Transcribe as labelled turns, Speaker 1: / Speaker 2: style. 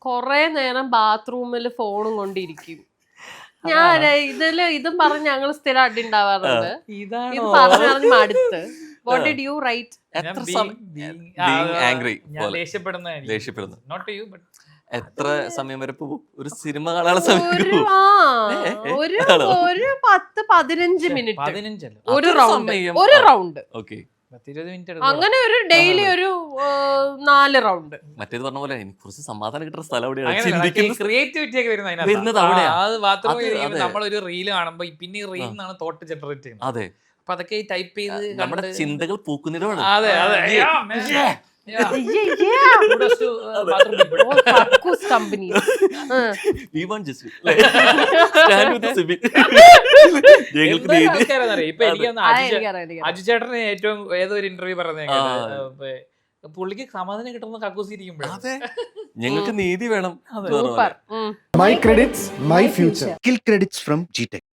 Speaker 1: കൊറേ നേരം ബാത്റൂമിൽ ഫോണും കൊണ്ടിരിക്കും. ഞാൻ ഇതും പറഞ്ഞ് ഞങ്ങൾ സ്ഥിരം അടി ഉണ്ടാവാറുണ്ട്. ഇത് പറഞ്ഞറിഞ്ഞ് മടുത്ത്. What did you write?
Speaker 2: എത്ര സമയം വരെ പോകും? ഒരു സിനിമ കാണാനുള്ള സമയം
Speaker 1: ഒരു 10-15 മിനിറ്റ് ഒരു റൗണ്ട്. അങ്ങനെ ഒരു ഡെയിലി ഒരു 4 റൗണ്ട്.
Speaker 2: മറ്റേത് പറഞ്ഞ പോലെ എനിക്ക് കുറച്ച് സമാധാനം കിട്ടുന്ന സ്ഥലം
Speaker 3: ക്രിയേറ്റിവിറ്റി ഒക്കെ വരുന്നത് നമ്മളൊരു റീല് കാണുമ്പോ പിന്നെ ഈ റീൽ നിന്നാണ് തോട്ട് ജനറേറ്റ് ചെയ്യുന്നത്.
Speaker 2: അതെ,
Speaker 3: അപ്പൊ അതൊക്കെ ടൈപ്പ് ചെയ്ത്
Speaker 2: നമ്മുടെ ചിന്തകൾ പൂക്കുന്നിടമാണ്.
Speaker 3: അതെ അതെ. ഇപ്പൊ എനിക്ക് അജു ചേട്ടന് ഏറ്റവും ഏതൊരു ഇന്റർവ്യൂ പറഞ്ഞ പുള്ളിക്ക് സമാധാനം കിട്ടുന്ന കക്കൂസ് ഇരിക്കുമ്പോഴേ
Speaker 2: ഞങ്ങൾക്ക് നീതി വേണം.
Speaker 4: My credits, my future. Kill credits from GTech.